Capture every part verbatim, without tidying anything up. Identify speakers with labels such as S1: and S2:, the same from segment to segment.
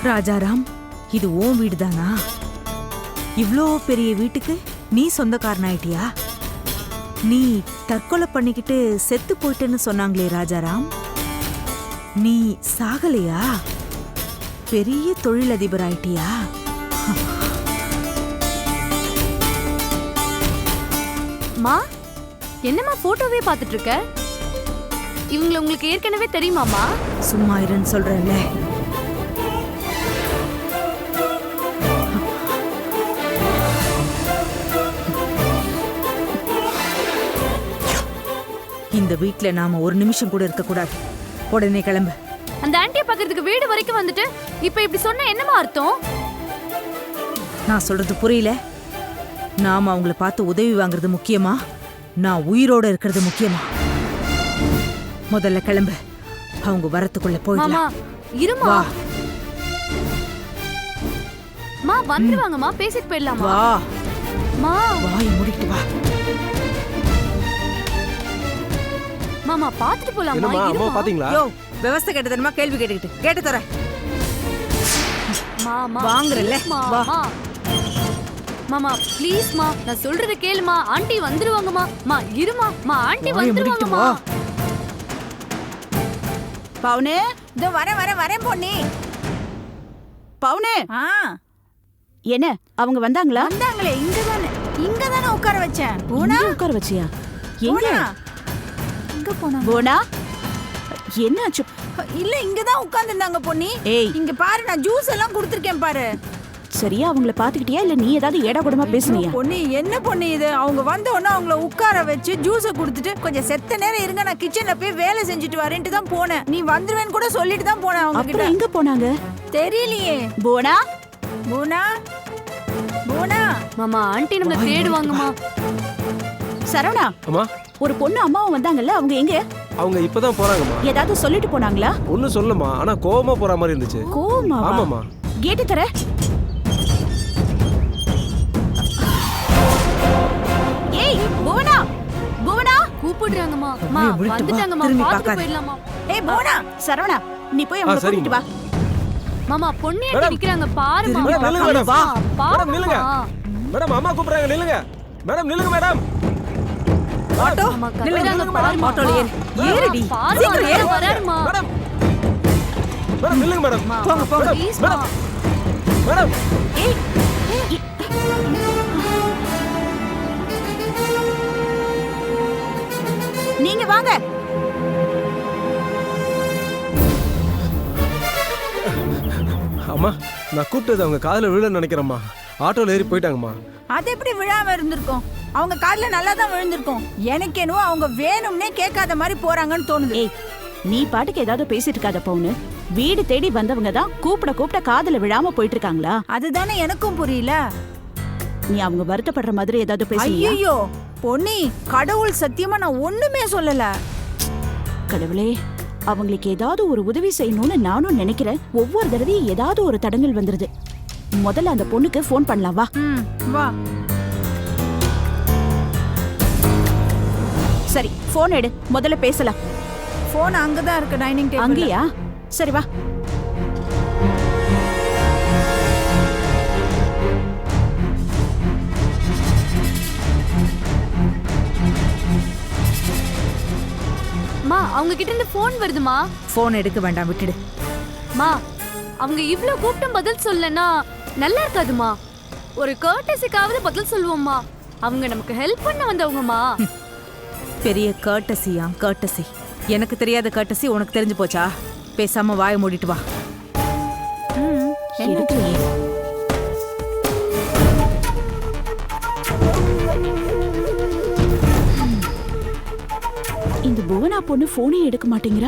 S1: ராஜாராம், இது உன் வீடுதானா? இவ்ளோ பெரிய வீட்டுக்கு நீ சொந்தக்காரனாயிட்டியா? நீ தற்கொலை பண்ணிக்கிட்டு செத்து போயிட்டேன்னு சொன்னாங்களே ராஜாராம், நீ சாகலையா? பெரிய தொழிலதிபர் ஆயிட்டியா?
S2: மா, என்னம்மா போட்டோவே பார்த்துட்டு இருக்க? இவங்களை உங்களுக்கு ஏற்கனவே தெரியுமாமா?
S1: சும்மா இருன்னு சொல்றேன்ல. இந்த வீட்ல நாம ஒரு நிமிஷம் கூட இருக்க கூடாது. உடனே கிளம்பு.
S2: அந்த ஆண்டியை பார்க்கிறதுக்கு வீடு வரைக்கும் வந்துட்டு இப்ப இப்படி சொன்ன என்னமா அர்த்தம்?
S1: நான் சொல்றது புரியல? நாம அவங்கள பார்த்து உதவி வாங்குறது முக்கியமா, நான் உயிரோட இருக்கிறது முக்கியமா? முதல்ல கிளம்பு. அவங்க வரத்துக்குள்ள போயிடலாம்.
S2: இருமா.
S1: வா.
S2: மா வந்துருவாங்கம்மா, பேசிட்டு போயிடலாமா?
S1: வா.
S2: மா
S1: வாய் மூடிட்டு வா.
S2: மாமா பாத்துட்டு போலாமா?
S3: என்னம்மா அம்மா பாத்தீங்களா?
S1: யோ, விவசாய கேட்டதனமா கேள்வி கேட்டுக்கிட்டு கேட்டு தர.
S2: மாமா
S1: வாங்குறல்ல? வா.
S2: மாமா ப்ளீஸ் மா, நான் சொல்றத கேளுமா. ஆண்டி வந்துருவாங்கம்மா. மா இருமா. மா ஆண்டி வந்துருவாங்கம்மா.
S4: பவுனே, இதோ வர வர வரேன் பொன்னி. பவுனே,
S5: ஆ
S4: என்ன அவங்க வந்தாங்களா?
S5: வந்தாங்களே, இங்க தானே இங்க தானே உட்கார வச்சேன். போனா
S4: உட்கார வச்சியா? எங்க
S5: எங்க போனா?
S4: போனா என்னாச்சு?
S5: இல்ல, இங்க தான் உட்கார்ந்திருந்தாங்க பொன்னி.
S4: ஏய்,
S5: இங்க பாரு, நான் ஜூஸ் எல்லாம் குடுத்திருக்கேன் பாரு.
S4: சரியா அவங்கள பாத்துக்கிட்டியா இல்ல நீ ஏதாவது ஏடா கூடமா பேசுனியா?
S5: பொன்னி, என்ன பொன்னி இது? அவங்க வந்த உடனே அவங்கள உட்கார வச்சு ஜூஸ குடுத்துட்டு கொஞ்சம் செத்த நேரம் இருங்க, நான் கிச்சன்ல போய் வேலை செஞ்சுட்டு வரேன்ட்டு தான் போனேன். நீ வந்துருவேன்னு கூட சொல்லிட்டு தான் போனேன் அவங்க கிட்ட.
S4: அப்புறம் எங்க போனாங்க
S5: தெரியலையே.
S4: போனா
S5: பூனா பூனா
S2: மாமா ஆண்டி நம்மள தேடுவாங்கம்மா.
S4: சரவணா,
S3: அம்மா
S4: ஒரு பொண்ணு அம்மாவும் வந்தாங்கல்ல, அவங்க எங்க?
S3: அவங்க இப்பதான் போறாங்கம்மா.
S4: ஏதாவது சொல்லிட்டு போனாங்களா?
S3: ஒன்னும் சொல்லமா, ஆனா கோவமா போற மாதிரி இருந்துச்சு.
S4: கோவமா?
S3: ஆமாமா.
S4: கேட்டு தர. ஏய் புவனா, புவனா
S2: கூப்பிடுறாங்கம்மா. மா
S1: அப்படியே விட்டுட்டு வா,
S2: வந்துட்டாங்கம்மா,
S1: திரும்பி
S2: பாத்துட்டு
S1: பார்க்காத.
S2: போயிடலாமா?
S4: ஏய் புவனா, சரவணா நீ போய் அவங்கள
S3: சரிங்க.
S4: கூட்டிட்டு வா.
S2: மாமா பொண்ணு ஏண்டி
S3: மேடம்.
S2: நிக்கறாங்க பாருமா.
S1: திரும்பி
S3: மேடம் நில்லுங்க மேடம்.
S2: வா
S3: மேடம் நில்லுங்க. மேடம் அம்மா கூப்பிடுறாங்க, நில்லுங்க. மேடம் நில்லுங்க மேடம்.
S1: ஆட்டோ
S2: அம்மா
S1: நில்லுங்க.
S2: கத்துறாங்க பாருமா.
S1: ஆட்டோல ஏறு. ஏறுடி.
S2: பாருமா,
S1: சீக்கிரம் ஏறு.
S2: வராருமா.
S3: மேடம் மேடம் நில்லுங்க மேடம்.
S1: போங்க போங்க.
S2: Please
S3: madam.
S2: மா.
S3: மேடம்
S4: ஏய் ஏய். நீங்க வாங்க.
S3: அம்மா, நான் கூப்பிட்டது அவங்க காதுல விழன்னு நினைக்கிறேம்மா. ஆட்டோல ஏறி போயிட்டாங்கம்மா.
S5: அது எப்படி விழாம இருந்திருக்கும்? அவங்க காதுல நல்லா தான் விழுந்திருக்கும். எனக்கு என்னவோ அவங்க வேணும்னே கேட்காத மாதிரி போறாங்கன்னு தோணுது.
S4: ஏய் நீ பாட்டுக்கு ஏதாவது பேசிட்டு இருக்காத பவுனு. வீடு தேடி வந்தவங்க தான் கூப்பிட கூப்பிட காதுல விழாம போயிட்டு இருக்காங்களா?
S5: அதுதானே எனக்கும் புரியல.
S4: நீ அவங்க வருத்தப்படுற மாதிரி ஏதாவது பேசுறியா?
S5: ஐயோ பொன்னி, கடவுள் சத்தியமா நான் ஒண்ணுமே சொல்லல.
S4: கடவுளே, அவங்களுக்கு ஏதாவது ஒரு உதவி செய்யணும்னு நானும் நினைக்கிறேன். ஒவ்வொரு தடவையும் ஏதாவது ஒரு தடங்கல் வந்துருது. முதல்ல அந்த பொண்ணுக்கு ஃபோன் பண்ணலாம் வா.
S5: ம், வா.
S4: சரி ஃபோன் எடு, முதல்ல பேசலாம்.
S5: போன் அங்கதான் இருக்கு, டைனிங் டேபிள்.
S4: அங்கேயா? சரி வா.
S2: மா அவங்க கிட்ட இருந்து போன் வருதுமா.
S1: போன் எடுக்க வேண்டாம், விட்டுடு.
S2: மா அவங்க இவ்ளோ கூப்பிட்டும் பதில் சொல்லனா நல்லா இருக்காதுமா. ஒரு கர்ட்டஸிக்காவது பதில் சொல்லுவோம்மா. அவங்க நமக்கு ஹெல்ப் பண்ண வந்தவங்கம்மா.
S1: பெரிய கர்ட்டசியா கர்ட்டசி? எனக்கு தெரியாத கர்ட்டசி உனக்கு தெரிஞ்சு போச்சா? பேசாம வாயை மூடிட்டு வா.
S4: எடுக்கலையே. இந்த புவனா பொண்ணு போனே எடுக்க மாட்டேங்கிறா.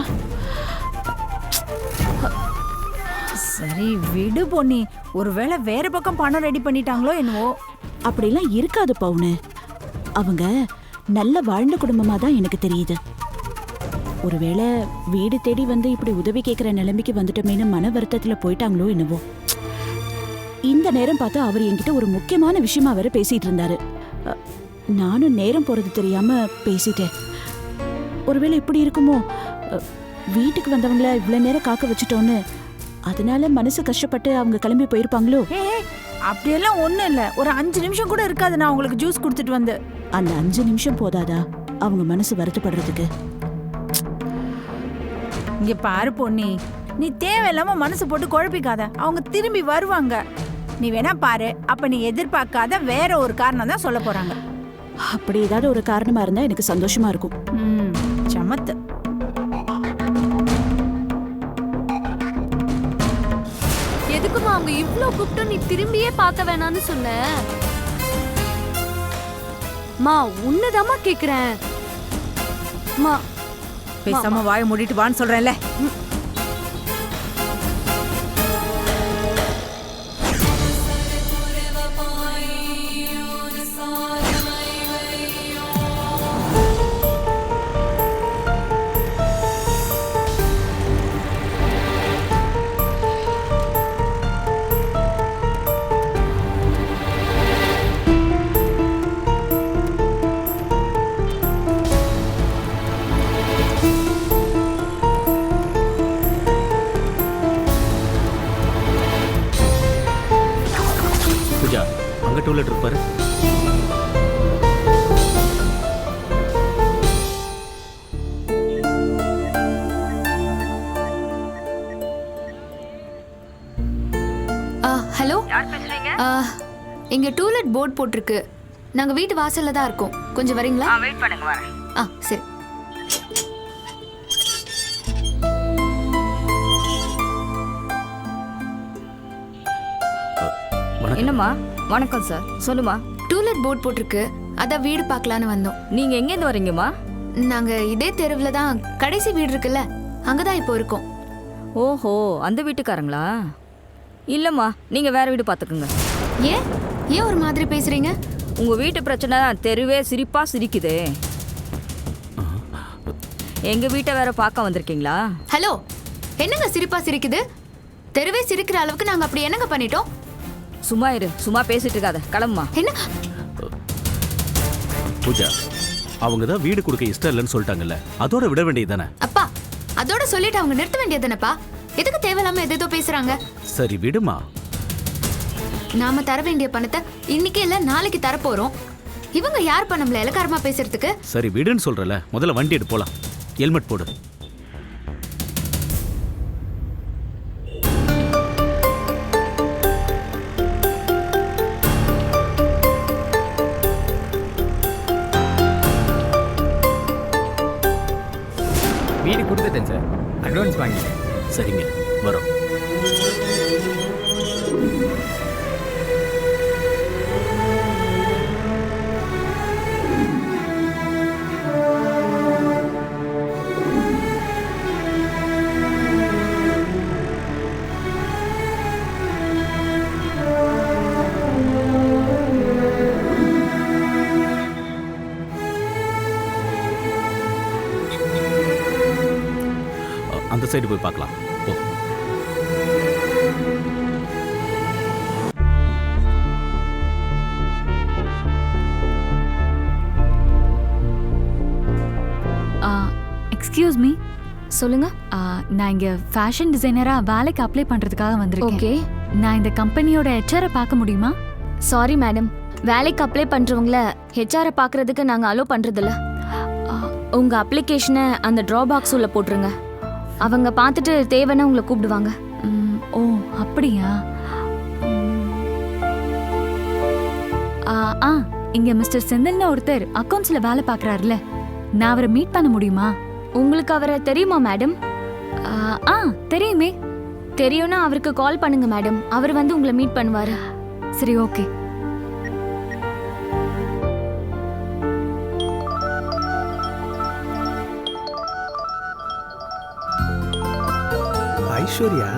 S5: சரி விடு பொன்னி, ஒருவேளை வேற பக்கம் பணம் ரெடி பண்ணிட்டாங்களோ என்னவோ.
S4: அப்படிலாம் இருக்காது பவுனு. அவங்க நல்ல வாழ்ந்த குடும்பமா தான் எனக்கு தெரியுது. ஒருவேளை வீடு தேடி வந்து இப்படி உதவி கேட்கிற நிலைமைக்கு வந்துட்டோமேனு மன வருத்தத்துல போயிட்டாங்களோ என்னவோ. இந்த நேரம் பார்த்து அவர் என்கிட்ட ஒரு முக்கியமான விஷயமா வேற பேசிட்டு இருந்தாரு. அ, நானும் நேரம் போறது தெரியாம பேசிட்டேன். ஒருவேளை இப்படி இருக்குமோ, அ, வீட்டுக்கு வந்தவங்கள இவ்வளவு நேரம் காக்க வச்சுட்டோன்னு அதனால மனசு கஷ்டப்பட்டு அவங்க கிளம்பி போயிருப்பாங்களோ?
S5: ஏ அப்படியெல்லாம் ஒண்ணும் இல்ல. ஒரு அஞ்சு நிமிஷம் கூட இருக்காது நான் உங்களுக்கு ஜூஸ் கொடுத்துட்டு வந்து.
S4: அந்த அஞ்சு நிமிஷம் போதாதா அவங்க மனசு வருத்தப்படுறதுக்கு?
S5: இங்க பாரு பொன்னி, நீ தேவையில்லாம மனசு போட்டு குழப்பிக்காத. அவங்க திரும்பி வருவாங்க. நீ வேணா பாரு. அப்ப நீ எதிர்பார்க்காத வேற ஒரு காரணம் தான் சொல்ல போறாங்க.
S4: அப்படி ஏதாவது ஒரு காரணமா இருந்தா எனக்கு சந்தோஷமா இருக்கும்.
S5: ம், சமத்து.
S2: எதுக்குமா அவங்க இவ்ளோ கூப்பிட்டு நீ திரும்பியே பார்க்க வேணாம்னு சொன்ன? மா உன்னதாமா கேக்குறேன். மா
S1: பேசாம வாயை மூடிட்டு வான்னு சொல்றேன்ல.
S6: பூஜா, அங்க டூலெட் இருப்பாரு.
S2: ஹலோ, இங்க டூலெட் போர்ட் போட்டிருக்கு. நாங்க வீட்டு வாசல்ல தான் இருக்கோம். கொஞ்சம் வரீங்களா?
S5: வெயிட் பண்ணுங்க, வரேன்.
S2: ஆ சரி.
S7: என்னம்மா? வணக்கம் சார், சொல்லுமா.
S2: டூலெட் போர்ட் போட்டிருக்கு, அதான் வீடு பார்க்கலான்னு வந்தோம்.
S7: நீங்க எங்கேருந்து வரீங்கம்மா?
S2: நாங்க இதே தெருவுல தான் கடைசி வீடு இருக்குல்ல, அங்கதான் இப்போ இருக்கோம்.
S7: ஓஹோ, அந்த வீட்டுக்காரங்களா? இல்லம்மா, நீங்க வேற வீடு பார்த்துக்குங்க.
S2: ஏன் ஏன் ஒரு மாதிரி பேசுறீங்க?
S7: உங்க வீட்டு பிரச்சனை தான் தெருவே சிரிப்பா சிரிக்குதே. எங்க வீட்டை வேற பார்க்க வந்திருக்கீங்களா?
S2: ஹலோ, என்னங்க சிரிப்பா சிரிக்குது? தெருவே சிரிக்கிற அளவுக்கு நாங்க அப்படி என்னங்க பண்ணிட்டோம்?
S7: சும்மா இரு, சும்மா பேசிட்டு இருக்காத, கிளம்புமா.
S2: என்ன?
S6: பூஜா, அவங்க தான் வீடு கொடுக்க இஷ்டம் இல்லைன்னு சொல்லிட்டாங்கல்ல, அதோட விட வேண்டியது தானே?
S2: அப்பா, அதோட சொல்லிட்டு அவங்க நிறுத்த வேண்டியதுதானப்பா. எதுக்கு தேவையில்லாம எதேதோ பேசுறாங்க?
S6: சரி விடுமா.
S2: நாம தர வேண்டிய பணத்தை இன்னைக்கு இல்ல நாளைக்கு தரப்போறோம். இவங்க யார் பண்ணம்ல இலக்காரமா பேசுறதுக்கு?
S6: சரி விடுன்னு சொல்றல, முதல்ல வண்டி எடுத்து போலாம். ஹெல்மெட் போடு.
S8: வீடு கொடுத்துட்டேன் சார், அட்வான்ஸ் வாங்கிட்டேன்.
S6: சரிங்க, வரோம். அந்த சைடு போய் பார்க்கலாம். போ.
S9: எக்ஸ்கியூஸ் மீ, சொல்லுங்க. நான் இங்க ஃபேஷன் டிசைனரா வேலைக்கு அப்ளை பண்றதுக்காக வந்திருக்கேன். ஓகே, நான் இந்த கம்பெனியோட ஹெச்ஆரை பார்க்க முடியுமா?
S10: சாரி மேடம், வேலைக்கு அப்ளை பண்றவங்கள ஹெச்ஆரை பார்க்கறதுக்கு நாங்க அலோ பண்றதில்ல. உங்க அப்ளிகேஷனை அந்த ட்ரா பாக்ஸ் உள்ள போட்டுருங்க. அவங்க பார்த்துட்டு தேவைன்னா உங்களை கூப்பிடுவாங்க.
S9: ஓ அப்படியா? ஆ இங்க மிஸ்டர் செந்தில்னு ஒருத்தர் அக்கவுண்ட்ஸ்ல வேலை பார்க்கறாருல, நான் அவரை மீட் பண்ண முடியுமா?
S10: உங்களுக்கு அவரை தெரியுமா மேடம்?
S9: ஆ தெரியுமே.
S10: தெரியும்னா அவருக்கு கால் பண்ணுங்க மேடம், அவர் வந்து உங்களை மீட் பண்ணுவாரு.
S9: சரி, ஓகே.
S3: ஐஸ்வர்யா,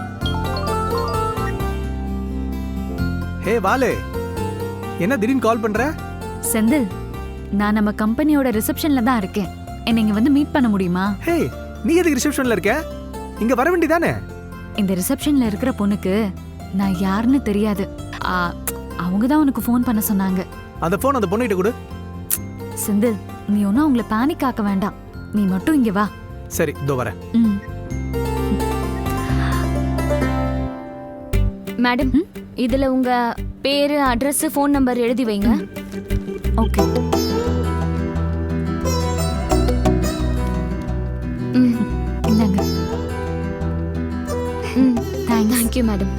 S3: ஹே வாலே, என்ன திடீர்னு கால் பண்ற?
S9: செந்தில், நான் நம்ம கம்பெனியோட ரிசப்ஷன்ல தான் இருக்கேன். என்னை இங்க வந்து மீட் பண்ண முடியுமா?
S3: ஹே, நீ எதுக்கு ரிசப்ஷன்ல இருக்க? இங்க வர வேண்டியதானே?
S9: இந்த ரிசப்ஷன்ல இருக்கிற பொண்ணுக்கு நான் யாருன்னு தெரியாது. அவங்க தான் உனக்கு ஃபோன் பண்ண சொன்னாங்க.
S3: அந்த ஃபோன் அந்த பொண்ணுகிட்ட கொடு.
S9: செந்தில், நீ ஒன்னும் அவங்கள பேனிக் ஆக்க வேண்டாம். நீ மட்டும் இங்க வா.
S3: சரி, இதோ வரேன்.
S9: ம்
S10: மேடம் இதுல உங்க பேரு அட்ரஸ் ஃபோன் நம்பர் எழுதி வைங்க.
S9: ஓகே.
S10: ம்
S9: இந்தாங்க.
S10: ம்
S9: thanks.
S10: Thank you madam.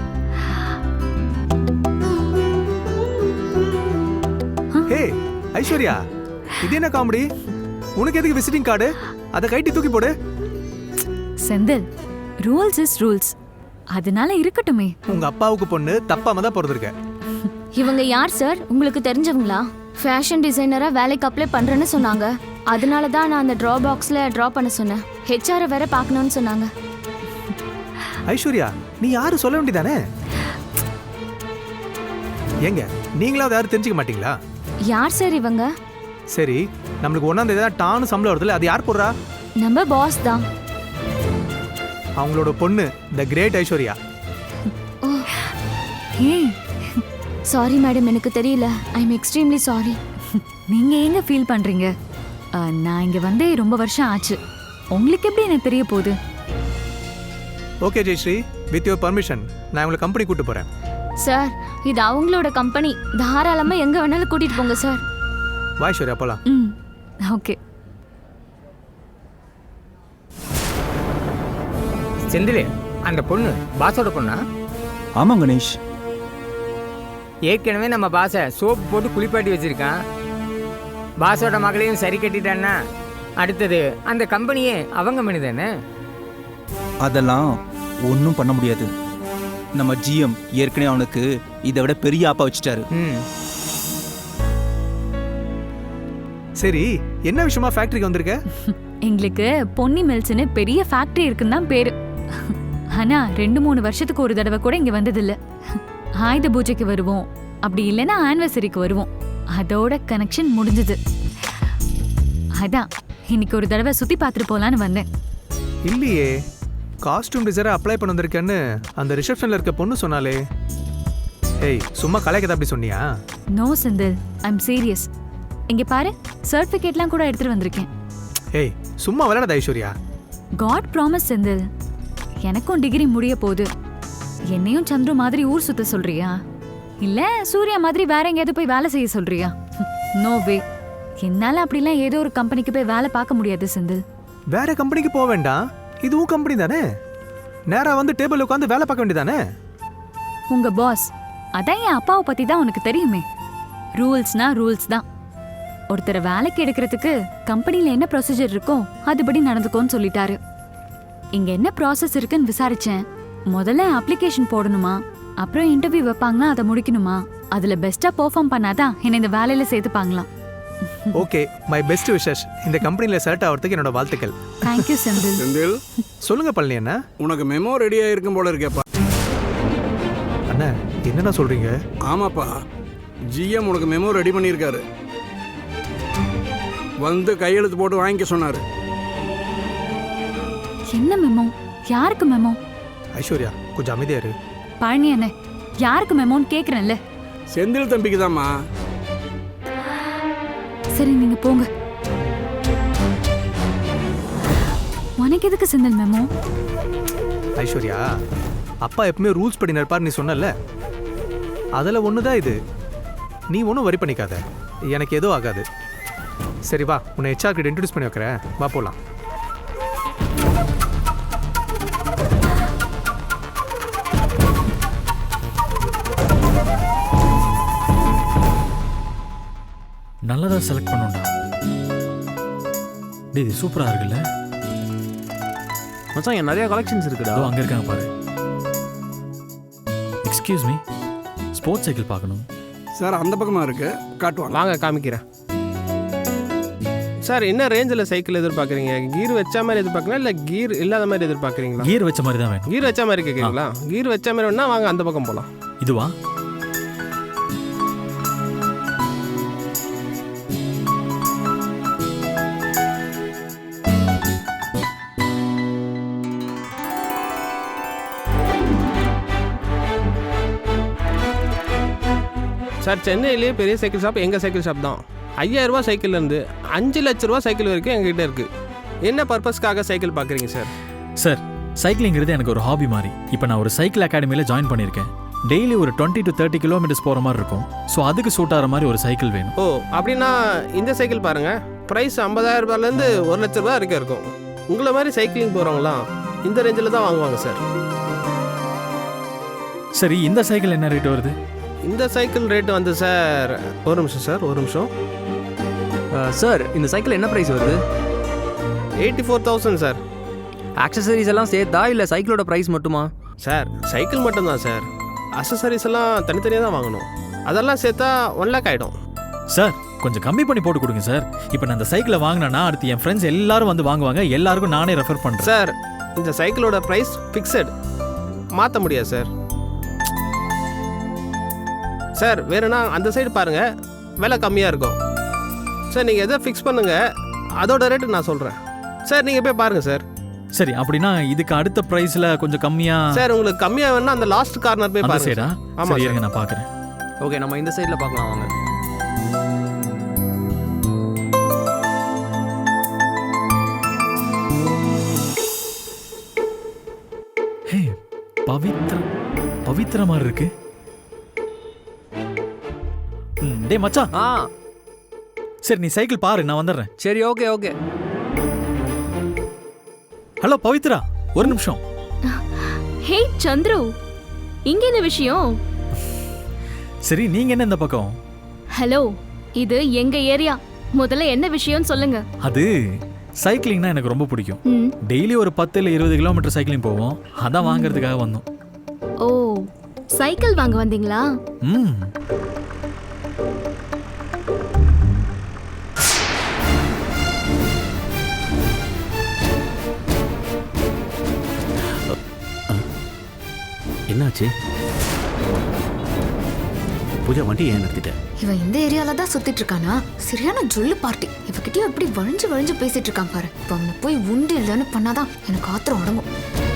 S11: Hey Aishwarya, இது என்ன காமெடி? உனக்கு எதுக்கு விசிட்டிங் கார்டு? அதை கைட்டி தூக்கி போடு.
S9: Senthil, rules is rules. அதனால இருக்கட்டுமே.
S11: உங்க அப்பாவுக்கு பொண்ணு தப்பாம தான் பிறந்திருக்க.
S10: இவங்க யார் சார்? உங்களுக்கு தெரிஞ்சவங்களா? ஃபேஷன் டிசைனரா வேலைக்கு அப்ளை பண்றேன்னு சொன்னாங்க. அதனால தான் நான் அந்த ட்ரா பாக்ஸ்ல ட்ரா பண்ண சொன்னேன். ஹெச்ஆர் வேற பார்க்கணும்னு சொன்னாங்க.
S11: ஐஸ்வர்யா, நீ யாரு சொல்ல வேண்டியதானே? ஏங்க நீங்களாவது யாரும் தெரிஞ்சுக்க மாட்டீங்களா?
S10: யார் சார் இவங்க?
S11: சரி, நம்மளுக்கு ஒன்னாம் தேதி தான் டான்னு சம்பளம் வருதுல, அது யார் போடுறா?
S10: நம்ம பாஸ் தான்.
S11: அவங்களோட பொண்ணு த கிரேட் ஐஸ்வர்யா.
S9: ஏய்,
S10: சாரி மேடம், எனக்கு தெரியல. I am extremely sorry.
S9: நீங்க எங்க ஃபீல் பண்றீங்க? ஆ, நான் இங்க வந்தே ரொம்ப வருஷம் ஆச்சு. உங்களுக்கு எப்படி எனக்கு தெரிய போகுது?
S11: Okay Jayashree, with your permission நான் உங்களை கம்பெனி கூட்டு போறேன்.
S10: சார் இது அவங்களோட கம்பெனி. தாராளமா எங்க வேணாலும் கூட்டிட்டு போங்க சார்.
S11: வா ஐஸ்வர்யா, போலாம்.
S9: ம் ஓகே.
S8: செந்தில், அந்த பொண்ணு பாஸோட பொண்ணா?
S12: ஆமாம் கணேஷ்.
S8: ஏற்கனவே நம்ம பாஸை சோப்பு போட்டு குளிப்பாட்டி வச்சிருக்கான். பாஸோட மகளையும் சரி கட்டிட்டான்னா அடுத்தது அந்த கம்பெனியே அவங்க மணி தானே.
S12: அதெல்லாம் ஒன்றும் பண்ண முடியாது. நம்ம ஜிஎம் ஏற்கனவே அவனுக்கு இதை விட பெரிய ஆப்பா வச்சுட்டாரு.
S8: ம்
S11: சரி, என்ன விஷயமா ஃபேக்டரிக்கு வந்திருக்க?
S9: எங்களுக்கு பொன்னி மில்ஸ்னு பெரிய ஃபேக்டரி இருக்குன்னு தான் பேரு. ஆனா ரெண்டு மூணு வருஷத்துக்கு ஒரு தடவை கூட இங்க வந்ததில்ல. ஆயுத பூஜைக்கு வருவோம், அப்படி இல்லைன்னா ஆனிவர்சரிக்கு வருவோம். அதோட கனெக்ஷன் முடிஞ்சது. அதான் இன்னைக்கு ஒரு தடவை சுத்தி பார்த்துட்டு போலான்னு வந்தேன்.
S11: இல்லையே, காஸ்டியூம் டிசைனர் அப்ளை பண்ண வந்திருக்கேன்னு அந்த ரிசப்ஷன்ல இருக்க பொண்ணு சொன்னாலே. ஏய், சும்மா கலாய்க்கதா அப்படி சொன்னியா?
S9: No Senthil, I am serious. இங்க பாரு, சர்டிபிகேட்லாம் கூட எடுத்துட்டு வந்திருக்கேன்.
S11: ஏய், சும்மா விளையாடாத ஐஸ்வர்யா.
S9: காட் ப்ராமிஸ் செந்தில், எனக்கும் டிகிரி முடிய போகுது. என்னையும் சந்துரு மாதிரி ஊர் சுத்த சொல்றியா? இல்ல சூர்யா மாதிரி வேற எங்கேயாவது போய் வேலை செய்ய சொல்றியா? No way. என்னால அப்படிலாம் ஏதோ ஒரு கம்பெனிக்கு போய் வேலை பார்க்க முடியாது செந்தில்.
S11: வேற கம்பெனிக்கு போக வேண்டாம், இதுவும் கம்பெனி தானே. நேரா வந்து டேபிள் உட்காந்து வேலை பார்க்க வேண்டியதானே.
S9: உங்க பாஸ் அதான் என் அப்பாவை பத்தி தான் உனக்கு தெரியுமே. ரூல்ஸ்னா ரூல்ஸ் தான். ஒருத்தரை வேலைக்கு எடுக்கிறதுக்கு கம்பெனில என்ன ப்ரொசீஜர் இருக்கோ அதுபடி நடந்துக்கோன்னு சொல்லிட்டாரு. இங்க என்ன ப்ராசஸ் இருக்குன்னு விசாரிச்சேன். முதல்ல அப்ளிகேஷன் போடணுமா, அப்புறம் இன்டர்வியூ வைப்பாங்களா, அதை முடிக்கணுமா. அதுல பெஸ்டா பெர்ஃபார்ம் பண்ணாதான் என்ன இந்த வேலையில சேர்த்துப்பாங்களாம்.
S11: Okay, my best wishes. இந்த கம்பெனில செலக்ட் ஆகிறதுக்கு என்னோட வாழ்த்துக்கள்.
S9: Thank you Senthil.
S13: செந்தில்,
S11: சொல்லுங்க பழனி அண்ணா.
S13: உனக்கு மெமோ ரெடியா இருக்கும் போல இருக்கேப்பா.
S11: அண்ணா, என்னண்ணா சொல்றீங்க?
S13: ஆமாப்பா, ஜிஎம் உனக்கு மெமோ ரெடி பண்ணியிருக்காரு. வந்து கையெழுத்து போட்டு வாங்கிக்க சொன்னாரு.
S9: என்ன மெமோ? யாருக்கு மெமோ?
S11: ஐஸ்வர்யா, கொஞ்சம் அமைதியா இரு.
S9: பழனி அண்ணே, யாருக்கு மெமோன்னு கேக்குறேன்ல.
S13: செந்தில் தம்பிக்கு தான்மா.
S9: சரி நீங்க போங்க. உனக்கு எதுக்கு செந்தில் மெமோ?
S11: ஐஸ்வர்யா, அப்பா எப்பவுமே ரூல்ஸ் படி நடப்பார் நீ சொன்னல, அதில் ஒன்று தான் இது. நீ ஒன்றும் வரி பண்ணிக்காத, எனக்கு எதுவும் ஆகாது. சரி வா, உன்னை ஹெச்ஆர் கிட்ட இன்ட்ரடியூஸ் பண்ணி வைக்கிறேன், வா போகலாம்.
S14: நல்லதா செலக்ட் பண்ணுண்டா. டேய், இது சூப்பரா இருக்குல்ல
S3: மச்சான். இங்க நிறைய கலெக்ஷன்ஸ் இருக்குடா.
S14: அங்க இருக்காங்க பாரு. எக்ஸ்கியூஸ் மீ, ஸ்போர்ட்ஸ் சைக்கிள் பார்க்கணும்
S13: சார். அந்த பக்கமாக இருக்கு, காட்டுவாங்க.
S3: வாங்க காமிக்கிறேன். சார், என்ன ரேஞ்சில் சைக்கிள் எதிர்பார்க்குறீங்க? கீர் வச்ச மாதிரி எதிர்பார்க்குறீங்களா இல்லை கீர் இல்லாத மாதிரி எதிர்பார்க்குறீங்களா?
S14: கியர் வச்ச மாதிரி தான் வேணும்.
S3: கீர் வச்ச மாதிரி கேட்குறீங்களா? கீர் வச்ச மாதிரி வேணா வாங்க அந்த பக்கம் போகலாம்.
S14: இதுவா?
S3: சார், சென்னையிலேயே பெரிய சைக்கிள் ஷாப் எங்கள் சைக்கிள் ஷாப் தான். ஐயாயிரம் ரூபா சைக்கிள்லேருந்து அஞ்சு லட்ச ரூபா சைக்கிள் வரைக்கும் எங்ககிட்ட இருக்குது. என்ன பர்பஸ்க்காக சைக்கிள் பார்க்குறீங்க சார்?
S14: சார், சைக்கிளிங்கிறது எனக்கு ஒரு ஹாபி மாதிரி. இப்போ நான் ஒரு சைக்கிள் அகாடமியில் ஜாயின் பண்ணியிருக்கேன். டெய்லி ஒரு டுவெண்ட்டி டு தேர்ட்டி கிலோமீட்டர்ஸ் போகிற மாதிரி இருக்கும். ஸோ அதுக்கு சூட் ஆகிற மாதிரி ஒரு சைக்கிள் வேணும்.
S3: ஓ அப்படின்னா இந்த சைக்கிள் பாருங்க, ப்ரைஸ் ஐம்பதாயிரம் ரூபாயிலேருந்து ஒரு லட்ச ரூபாய் வரைக்கும் இருக்கும். உங்களை மாதிரி சைக்கிளிங் போகிறவங்களாம் இந்த ரேஞ்சில் தான் வாங்குவாங்க சார்.
S14: சரி, இந்த சைக்கிள் என்ன ரேட் வருது?
S3: இந்த சைக்கிள் ரேட் வந்து சார், ஒரு நிமிஷம் சார் ஒரு நிமிஷம்
S15: சார், இந்த சைக்கிள் என்ன ப்ரைஸ் வருது?
S3: Eighty four thousand sir.
S15: Accessories எல்லாம் சேர்த்தா இல்லை சைக்கிளோட ப்ரைஸ் மட்டுமா?
S3: சார் சைக்கிள் மட்டும்தான் சார், அக்சசரிஸ் எல்லாம் தனித்தனியாக தான் வாங்கணும். அதெல்லாம் சேர்த்தா ஒன் லேக் ஆகிடும்.
S14: சார் கொஞ்சம் கம்மி பண்ணி போட்டு கொடுங்க சார். இப்போ நான் இந்த சைக்கிளை வாங்கினேன்னா அடுத்து என் ஃப்ரெண்ட்ஸ் எல்லாரும் வந்து வாங்குவாங்க, எல்லாருக்கும் நானே ரெஃபர் பண்ணுறேன்.
S3: சார் இந்த சைக்கிளோட ப்ரைஸ் ஃபிக்ஸட், மாற்ற முடியாது சார். சார் வேறுனா அந்த சைடு பாருங்கள், விலை கம்மியாக இருக்கும். சார் நீங்கள் எதை ஃபிக்ஸ் பண்ணுங்கள், அதோட ரேட்டு நான் சொல்கிறேன். சார் நீங்கள் போய் பாருங்கள் சார்.
S14: சரி, அப்படின்னா இதுக்கு அடுத்த ப்ரைஸில் கொஞ்சம் கம்மியாக.
S3: சார் உங்களுக்கு கம்மியாக வேணா அந்த லாஸ்ட் கார்னர் போய் பாருங்க.
S14: சைடா?
S3: ஆமாம்
S14: சரி,
S3: சார்,
S14: இருங்க நான் பார்க்குறேன்.
S15: ஓகே, நம்ம இந்த சைடில் பார்க்கலாம் வாங்க.
S14: ஹே, பவித்ரா பவித்ரா மாதிரி இருக்கு. ம், டேய் மச்சான்.
S15: ஆ
S14: சரி, நீ சைக்கிள் பாரு, நான் வந்துடுறேன்.
S15: சரி, ஓகே ஓகே.
S14: ஹலோ பவித்ரா, ஒரு நிமிஷம்.
S10: ஹே சந்துரு, இங்க என்ன விஷயம்?
S14: சரி, நீங்க என்ன இந்த பக்கம்?
S10: ஹலோ, இது எங்க ஏரியா. முதல்ல என்ன விஷயம்னு சொல்லுங்க.
S14: அது சைக்கிளிங்னா எனக்கு ரொம்ப பிடிக்கும்.
S10: ம்.
S14: டெய்லி ஒரு பத்து இல்லை இருபது கிலோமீட்டர் சைக்கிளிங் போவோம். அதான் வாங்குறதுக்காக வந்தோம்.
S10: ஓ, சைக்கிள் வாங்க வந்தீங்களா?
S14: ம்.
S6: என்னாச்சு பூஜா? வண்டி ஏன் நிறுத்திட்ட?
S16: இவன் இந்த ஏரியால தான் சுத்திட்டு இருக்கானா? சரியான ஜொல்லு பார்ட்டி. இவகிட்டயும் எப்படி வழிஞ்சு வழிஞ்சு பேசிட்டு இருக்கான் பாரு. இப்போ அவனை போய் உண்டு இல்லைன்னு பண்ணாதான் எனக்கு ஆத்திரம் அடங்கும்.